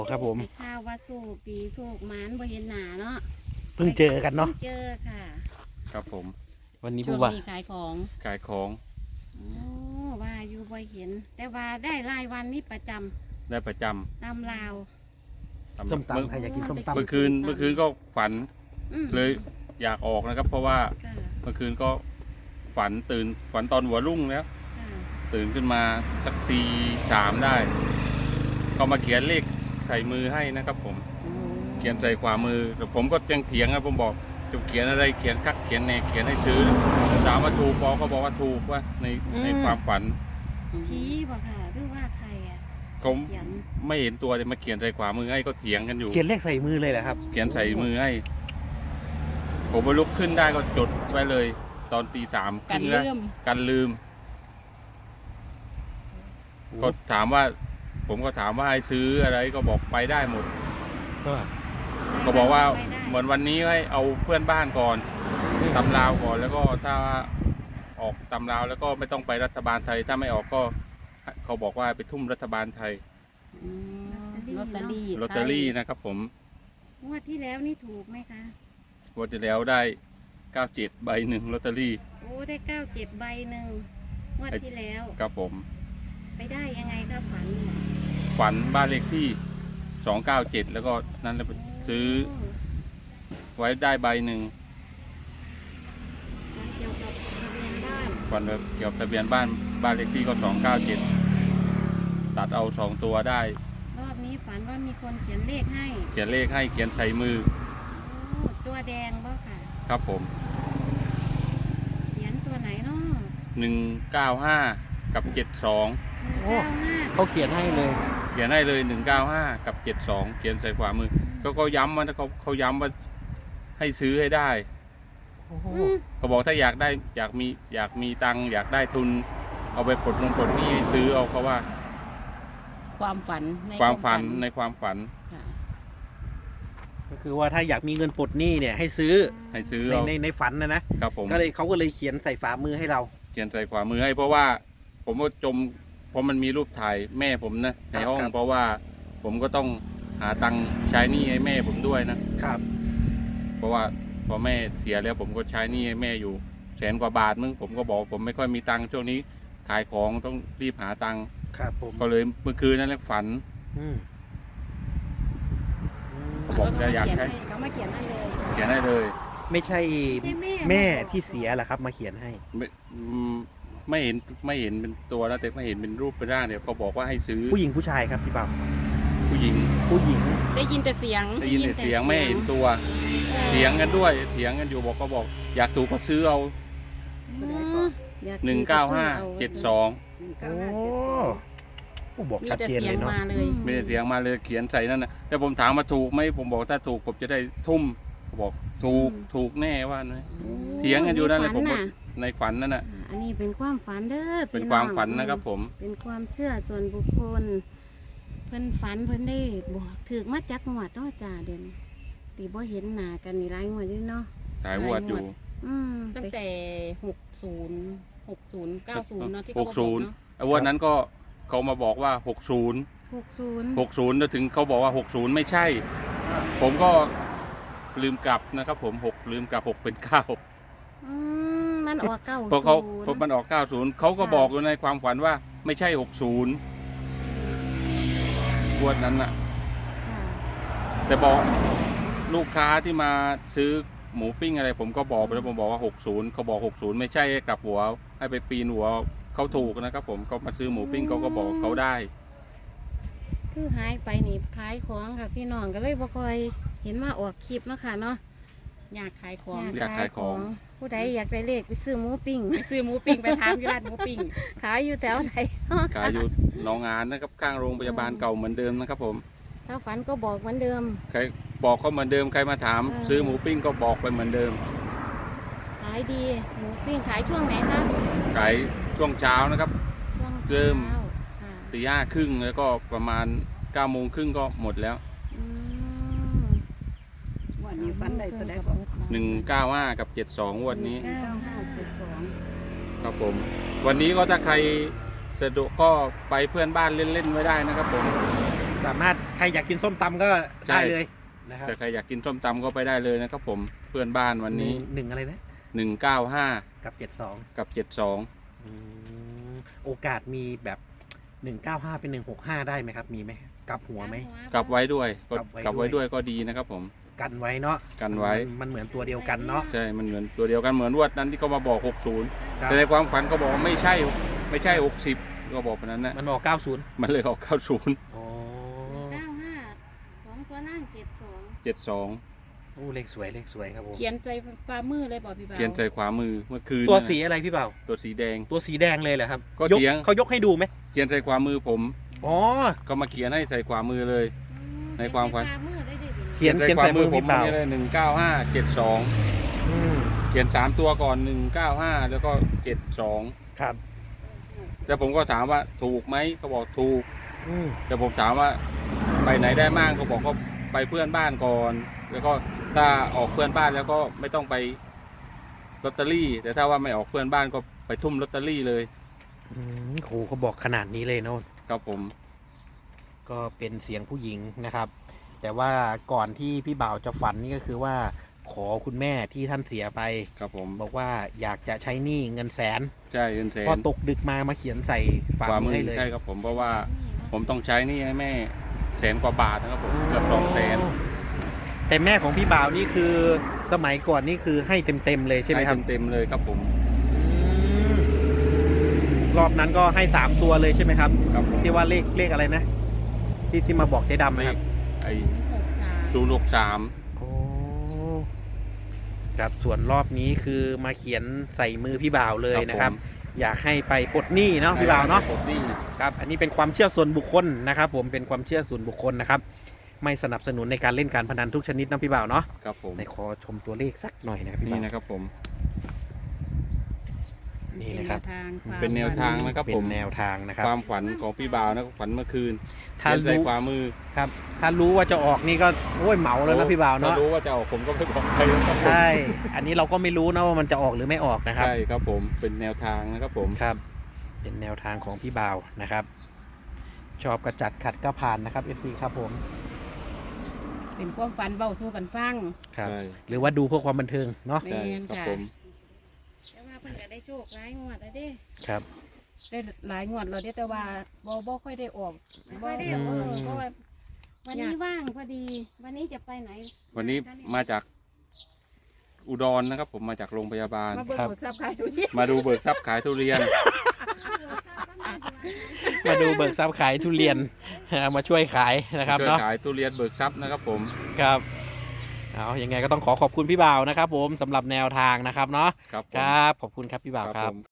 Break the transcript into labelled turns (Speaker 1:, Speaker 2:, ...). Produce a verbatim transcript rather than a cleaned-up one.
Speaker 1: ครับผม
Speaker 2: ข้าวว่าสู้ปีสู้หมานบ่เห็นหน้าเนาะ
Speaker 1: เพิ่งเจอกันเนาะ
Speaker 2: พิ่งเจอค่ะ
Speaker 3: ครับผม
Speaker 1: วันนี้
Speaker 4: ช่
Speaker 1: ผู้
Speaker 4: วง
Speaker 1: ว่า
Speaker 4: นี้ขายของ
Speaker 3: ขายของ
Speaker 2: โอ้ว่าอยู่บ่เห็น แต่ว่าได้รายวันนี่ประจำ
Speaker 3: ได้ประจำ
Speaker 2: ตามลาว
Speaker 3: ตำ
Speaker 1: ส้ม
Speaker 3: เมื่อ
Speaker 1: ตำใครอยากกินส้มตำ
Speaker 3: เมื่อคืนเมื่อคืนก็ฝัน
Speaker 2: อืม
Speaker 3: เลยอยากออกนะครับ เพราะว่า
Speaker 2: ค่ะ
Speaker 3: เมื่อคืนก็ฝันตื่นฝันตอนหัวรุ่งแล้ว
Speaker 2: ค่ะ
Speaker 3: ตื่นขึ้นมาสักตีสามได้ ก็มาเขียนเลขใส่มือให้นะครับ ผมเขียนใส่ขวามือแต่ผมก็ยังเถียงนะผมบอกจะเขียนอะไรเขียนคักเขียนแนเขียนให้ซื้อถามว่าถูกปอก็บอกว่าถูกว่าในในความฝัน
Speaker 2: ผีบ่ค่ะหรือว่าใครอ่ะ
Speaker 3: ผม
Speaker 2: เขียน
Speaker 3: ไม่เห็นตัวเลยมาเขียนใส่ขวามือให้ก็เถียงกันอยู่
Speaker 1: เขียนเลขใส่มือเลยเหรอครับ
Speaker 3: เขียนใส่มือให้ ผมไปลุกขึ้นได้ก็จดไว้เลย ตอนตีสาม
Speaker 4: กัน
Speaker 3: แล้ว
Speaker 4: เลื่อม
Speaker 3: กันลืม ก็ถามว่า ผมก็ถามว่าให้ซื้ออะไรก็บอกไปได้หมด
Speaker 1: ก็
Speaker 3: ก็บอกว่า
Speaker 2: ไปได้
Speaker 3: เหมือนวันนี้ให้เอาเพื่อนบ้านก่อนตำราวก่อน แล้วก็ถ้าออกตำราวแล้วก็ไม่ต้องไปรัฐบาลไทย ถ้าไม่ออกก็ เขาบอกว่าไปทุ่มรัฐบาลไทย
Speaker 4: อืมลอตเตอรี่
Speaker 3: ลอตเตอรี่นะครับ ผม
Speaker 2: งวดที่แล้วนี่ถูกไหมคะ
Speaker 3: วันที่แล้วได้เก้าเจ็ดใบหนึ่งลอตเตอรี่
Speaker 2: โอ้ได้เก้าเจ็ดใบหนึ่งงวดที่แล้ว
Speaker 3: ครับผม
Speaker 2: ไปได้ยังไงคะฝัน
Speaker 3: ฝันบ้านเลขที่สองเก้าเจ็ดแล้วก็นั่นแล้วไปซื้อ
Speaker 2: โ
Speaker 3: ไว้ได้ใบหนึ่ง
Speaker 2: ฝันเกี่ยวกับทะเบียนบ้าน
Speaker 3: ฝันแบบเกี่ยวกับทะเบียนบ้านบ้านเลขที่ก็สองเก้าเจ็ดตัดเอาสองตัวได้
Speaker 2: รอบนี้ฝันว่ามีคนเขียนเลขให้
Speaker 3: เขียนเลขให้เขียนใส่มือ
Speaker 2: โอ้ตัวแดงบ่ค่ะ
Speaker 3: ครับผม
Speaker 2: เขียนตัวไหนเนาะ
Speaker 3: หนึ่งเก้าห้ากับเจ็ดสอง
Speaker 2: หนึ่งเก้าห้า
Speaker 1: เขาเขียนให้เลย
Speaker 3: เขียนให้เลยหนึ่งเก้าห้ากับเจ็ดสองเขียนใส่ขวามือ ก็เขาย้ำว่าเขาเขาย้ำว่าให้ซื้อให้ได้
Speaker 1: โอ้โห
Speaker 2: อืม
Speaker 3: เขาบอกถ้าอยากได้อยากมีอยากมีตังค์อยากได้ทุน เอาไปปลดลงปลดหนี้ให้ซื้อเอาเขาว่า
Speaker 4: ความฝันใน
Speaker 3: ความฝันในความฝัน
Speaker 4: ค่ะ
Speaker 1: ก็คือว่าถ้าอยากมีเงินปลดหนี้เนี่ยให้ซื้อ
Speaker 3: ให้ซื้อ
Speaker 1: ใน
Speaker 3: เอา
Speaker 1: ในในฝันนะนะครับ
Speaker 3: ผม
Speaker 1: ก็เลยเขาก็เลยเขียนใส่ฝ่ามือให้เรา
Speaker 3: เขียนใส่ขวามือให้เพราะว่าผมก็จมเพราะมันมีรูปถ่ายแม่ผมนะในห้อง
Speaker 1: ครับ
Speaker 3: เพราะว่าผมก็ต้องหาตังค์ใช้หนี้ให้แม่ผมด้วยนะ
Speaker 1: ครับ
Speaker 3: เพราะว่าพอแม่เสียแล้วผมก็ใช้หนี้ให้แม่อยู่แสนกว่าบาทมึงผมก็บอกผมไม่ค่อยมีตังค์ช่วงนี้ขายของต้องรีบหาตังค์
Speaker 1: ครับผม
Speaker 3: ก็เลยเมื่อคืนนั้นแหละฝัน
Speaker 1: อืม
Speaker 3: เขาบอกจะอยาก
Speaker 4: เขียน
Speaker 3: ให้
Speaker 4: ให้เขามาเขียนให้เลย
Speaker 3: เขียนให้เลย
Speaker 1: ไม่ใช่
Speaker 2: ใช่แม่
Speaker 1: แม่ที่เสียเหรอครับ มาเขียนให้
Speaker 3: ไม่อืมไม่เห็นไม่เห็นเป็นตัวแล้วแต่ไม่เห็นเป็นรูปเป็นร่างเนี่ยเขาบอกว่าให้ซื้อ
Speaker 1: ผู้หญิงผู้ชายครับพี่เปา
Speaker 3: ผู้หญิง
Speaker 1: ผู้หญิง
Speaker 4: ได้ยินแต่เสียง
Speaker 3: ได้ยินแต่เสียงไม่เห็นตัวเถียงกันด้วยเถียงกันอยู่บอกก็บอก อยากถูกก็ซื้อเอา
Speaker 2: อืมอย
Speaker 3: หนึ่งเก้าห้าเจ็ดสอง
Speaker 2: หนึ่ง
Speaker 1: โอ้
Speaker 2: เก้าห้าเจ็ดสอง
Speaker 1: โอ้บอก
Speaker 4: มี
Speaker 1: ชัด
Speaker 4: แต่
Speaker 1: เจน
Speaker 4: เสีย
Speaker 1: เล
Speaker 4: ง
Speaker 1: ยเนาะ
Speaker 4: มาเลย
Speaker 3: ไม่ได้เสียงมาเลยเขียนใส่นั่นนะแต่ผมถามมาถูกไหมผมบอกถ้าถูกผมจะได้ทุ่มเขาบอกถูกถูกแน่ว่านะ
Speaker 2: โอ้
Speaker 3: เถียงกันอยู่นั่นแหละผมก็
Speaker 2: ฝั
Speaker 3: ในฝันนั่นน่ะ
Speaker 2: อ่าอันนี้เป็นความฝันเด้อ
Speaker 3: เป็น
Speaker 2: พี่
Speaker 3: ความ
Speaker 2: อง
Speaker 3: ฝันนะครับผม
Speaker 2: เป็นความเชื่อส่วนบุคคล เพิ่นฝันเพิ่นได้บอกถือมาจักงวดเนาะจ้าเด่นตีบ่เห็นหน้ากันนี่หลายงวดอยู่เนาะ
Speaker 3: หายวัดอยู่
Speaker 2: อืม
Speaker 4: ตั้งแต่หกศูนย์หกศูนย์เก้าศูนย์เนาะที่
Speaker 3: ห
Speaker 4: เขา
Speaker 3: ก
Speaker 4: บอก
Speaker 3: ศูนย์
Speaker 4: เนาะ
Speaker 3: ไอ้วันนั้นก็เขามาบอกว่าหกศูนย์
Speaker 2: หกศูนย์
Speaker 3: หกศูนย์แล้วถึงเขาบอกว่าหกศูนย์ไม่ใช่ ผมก็ลืมกลับนะครับ ผมหกลืมกลับหกเป็นเก้า
Speaker 2: อืมมันออกเก้า
Speaker 3: เพราะเขา
Speaker 2: ศูนย์
Speaker 3: เพราะมันออกเก้าศูนย์เขาก็บอกอยู่ในความฝันว่าไม่ใช่หกศูนย์วันนั้นน่ะ
Speaker 2: ค่ะ
Speaker 3: แต่บอกลูกค้าที่มาซื้อหมูปิ้งอะไร ผมก็บอกไปแล้วผมบอกว่าหกศูนย์เขาบอกหกศูนย์ไม่ใช่ให้กลับหัว ให้ไปปีนหัวเขาถูกนะครับ ผมเขามาซื้อหมูปิ้งเขาก็บอกเขาได้
Speaker 2: คือหายไปนี่ขายของค่ะพี่น้องก็เลยบ่ค่อยเห็นมาออกคลิปเนาะค่ะเนาะ
Speaker 4: อยากขายของ
Speaker 3: อยากขายของ
Speaker 2: ผู้ใดอยากได้เลขไปซื้อหมูปิ้ง
Speaker 4: ไปซื้อหมูปิ้งไปทานที่ร้านหมูปิ้ง
Speaker 2: ขายอยู่แถวไหนเนาะ
Speaker 3: ขายอยู่หนองงานนะครับข้างโรงพยาบาลเก่าเหมือนเดิมนะครับ ผม
Speaker 2: ถ้าฝันก็บอกเหมือนเดิม
Speaker 3: ใครบอกเขาเหมือนเดิมใครมาถาม
Speaker 2: เออ
Speaker 3: ซื้อหมูปิ้งก็บอกไปเหมือนเดิม
Speaker 2: ขายดีหมูปิ้งขายช่วงไหนคะ
Speaker 3: ขายช่วงเช้านะครับ
Speaker 2: ช่วง
Speaker 3: เริ่ม
Speaker 2: ช้าค่ะ
Speaker 3: ตีห้าครึ่งแล้วก็ประมาณเก้าโมงครึ่งก็หมดแล้ว
Speaker 2: อืม
Speaker 4: วันนี้ฝันได้ตัวใดบอก
Speaker 3: หนึ่งเก้าห้ากับเจ็ดสองวันนี้
Speaker 2: เก้าห้าเจ็ดสอง
Speaker 3: ครับผม วันนี้ก็ถ้าใครสะดวกก็ไปเพื่อนบ้านเล่นๆไว้ได้นะครับผม
Speaker 1: สามารถใครอยากกินส้มตำก็
Speaker 3: ใช่
Speaker 1: ได้เลยนะครับ
Speaker 3: แต่ใครอยากกินส้มตำก็ไปได้เลยนะครับผมเพื่อนบ้านวันนี้
Speaker 1: หนึ่งหนึ่งอะไรนะ
Speaker 3: หนึ่งเก้าห้า
Speaker 1: กับเจ็ดสอง
Speaker 3: กับเจ็ดสอง
Speaker 1: โอกาสมีแบบหนึ่งเก้าห้าเป็นหนึ่งหกห้าได้ไหมครับ มีไหมกลับหัวไหม
Speaker 3: กลับไว้ด้วยก็
Speaker 1: ก
Speaker 3: ก
Speaker 1: ลั
Speaker 3: ลั
Speaker 1: บบ ไว้
Speaker 3: ไว้
Speaker 1: ด้
Speaker 3: ด้
Speaker 1: ว
Speaker 3: วย ยก็ดีนะครับผม
Speaker 1: กันไว้เนาะ
Speaker 3: กันไว้
Speaker 1: มันมันเหมือนตัวเดียวกันเนาะ
Speaker 3: ใช่มันเหมือนตัวเดียวกันเหมือนวดนั้นที่เขามาบอกหกสิบ
Speaker 1: ครับ
Speaker 3: แต่ในความฝันก็บอกว่าไม่ใช่ไม่ใช่หกสิบก็บอกแบบนั้นนะ
Speaker 1: มันออกเก้าสิบ
Speaker 3: มันเลยออกเก้าสิบ
Speaker 1: อ๋อ
Speaker 2: เก้าห้าสองตัวนั่งเจ็ดสอง
Speaker 3: เจ็ดสอง
Speaker 1: โอ้เลขสวยเลขสวยครับผม
Speaker 4: เขียนใจฝ่ามือเลยบอกพี่บ่าว
Speaker 3: เขียนใส่ขวามือเมื่อคืน
Speaker 1: ตัว
Speaker 3: นั่นน่ะ
Speaker 1: สีอะไรพี่เบา
Speaker 3: ตัวสีแดง
Speaker 1: ตัวสีแดงเลยเหรอครับ
Speaker 3: ก็
Speaker 1: ยก
Speaker 3: เถียง
Speaker 1: เขายกให้ดูไหม
Speaker 3: เขียนใส่ขวามือผม
Speaker 1: อ๋อ
Speaker 3: ก็มาเขียนให้ใส่ขวามือเลย ในความฝัน
Speaker 2: ฝ่มือได้ดิ
Speaker 1: เขียนเขียนใส่มือพี่เบา
Speaker 3: นี่เลยหนึ่งเก้าห้าเจ็ดสอง
Speaker 1: อืม
Speaker 3: เขียนสามตัวก่อนหนึ่งเก้าห้าแล้วก็เจ็ดสอง
Speaker 1: ครับ
Speaker 3: แล้วผมก็ถามว่าถูกไหมเขาบอกถูก
Speaker 1: อืม
Speaker 3: แต่ผมถามว่าไปไหนได้บ้างเขาบอกก็ไปเพื่อนบ้านก่อน แล้วก็ถ้าออกเพื่อนบ้านแล้วก็ไม่ต้องไปลอตเตอรี่ แต่ถ้าว่าไม่ออกเพื่อนบ้านก็ไปทุ่มลอตเตอรี่เลย
Speaker 1: อืมโหเขาบอกขนาดนี้เลยเนาะ
Speaker 3: ครับผม
Speaker 1: ก็เป็นเสียงผู้หญิงนะครับ แต่ว่าก่อนที่พี่บ่าวจะฝันนี่ก็คือว่า ขอคุณแม่ที่ท่านเสียไป
Speaker 3: ครับผม
Speaker 1: บอกว่าอยากจะใช้หนี้เงินแสน
Speaker 3: ใช่เงินแสน
Speaker 1: พอตกดึกมามาเขียนใส่ฝ่า
Speaker 3: ขวา
Speaker 1: มื
Speaker 3: มื
Speaker 1: อ
Speaker 3: อ
Speaker 1: ให้เลย
Speaker 3: ใช่ครับผมเพราะว่าผมต้องใช้หนี่ให้แม่แสนกว่าบาทนะครับผมเกือบสองแสน
Speaker 1: แต่แม่ของพี่บ่าวนี่คือสมัยก่อนนี่คือให้เต็มๆเลยใช่ไหมครับ
Speaker 3: เต็มๆเลยครับผม
Speaker 1: อืมรอบนั้นก็ให้สามตัวเลยใช่ไหมครับ
Speaker 3: ครับผม
Speaker 1: ที่ว่าเลขเลขอะไรนะ ที่ที่มาบอกเจ๊ดำนะครับ
Speaker 3: ไอ้
Speaker 4: หกสาม
Speaker 3: ศูนย์หกสาม
Speaker 1: โอ้ครับส่วนรอบนี้คือมาเขียนใส่มือพี่บ่าวเลยนะครับ อยากให้ไปปลดหนี้เนาะพี่บ่าวเนาะ
Speaker 3: ปลดหนี้
Speaker 1: ครับอันนี้เป็นความเชื่อส่วนบุคคลนะครับ ผมเป็นความเชื่อส่วนบุคคลนะครับ ไม่สนับสนุนในการเล่นการพนันทุกชนิดนะพี่บ่าวเนาะ
Speaker 3: ครับผม
Speaker 1: ในขอชมตัวเลขสักหน่อยนะครับพี่
Speaker 3: นี่
Speaker 1: บ่าว
Speaker 3: นะครับผม
Speaker 1: นี่นะครับ
Speaker 3: เป็นแนวทางนะครับ
Speaker 1: เป็
Speaker 3: ผ
Speaker 1: น
Speaker 3: ม
Speaker 1: แนวทางนะครับ
Speaker 3: ความฝันของพี่บ่าวนะฝันเมื่อคืน
Speaker 1: ถ้า
Speaker 3: เขียนใส่
Speaker 1: รู้
Speaker 3: ขวามือ
Speaker 1: ครับ ถ้ารู้ว่าจะออกนี่ก็โอ้ยเหมาแล้วนะพี่บ่าวเนาะ
Speaker 3: ถ้รู้ว่าจะออกผมก็ไม่บอกใครนะครับผม
Speaker 1: ใช่ อันนี้เราก็ไม่รู้นะว่ามันจะออกหรือไม่ออกนะครับ
Speaker 3: ใช่ครับผมเป็นแนวทางนะครับผม
Speaker 1: ครับ เป็นแนวทางของพี่บ่าวนะครับ ชอบกระจัดขัดก็ผ่านนะครับ เอฟ ซี ครับผม
Speaker 4: เป็นความฝันเบาสู้กันฟัง
Speaker 1: ครับ
Speaker 3: ใช่
Speaker 1: หรือว่าดูเพื่อความบันเทิงเนาะ
Speaker 4: แม่
Speaker 3: ใช่
Speaker 4: น
Speaker 3: ครับ
Speaker 4: ค่ะ
Speaker 3: ผม
Speaker 2: แต่ว่าเพิ่นก็ได้โชคหลายงวดแล้วเด้
Speaker 1: ครับ
Speaker 4: ได้หลายงวดแล้วเด้แต่ว่าบ่บ่ค่อยได้ออก
Speaker 2: ไม่ค่อยได้
Speaker 4: บ่
Speaker 2: ออก
Speaker 4: เออเพราะว่า
Speaker 2: วันนี้ว่างพอดี วันนี้จะไปไหน
Speaker 3: วันนี้มาจากอุดรนะครับ ผมมาจากโรงพยาบาล
Speaker 4: มาเบิ่งหมดทรัพย์ขายทุเรียน
Speaker 3: มาดูเบิกทรัพย์ขายทุเรียน
Speaker 1: มาดูเบิกทรัพย์ขายทุเรียน เอามาช่วยขายนะครับ
Speaker 3: ช่วย
Speaker 1: เนาะ
Speaker 3: ขายทุเรียนเบิกทรัพย์นะครับผม
Speaker 1: ครับเอายังไงก็ต้องขอขอบคุณพี่บ่าวนะครับ ผมสำหรับแนวทางนะครับเนาะ
Speaker 3: ครับผม
Speaker 1: ครับ ขอบคุณครับพี่บ่าวครับ
Speaker 3: ผม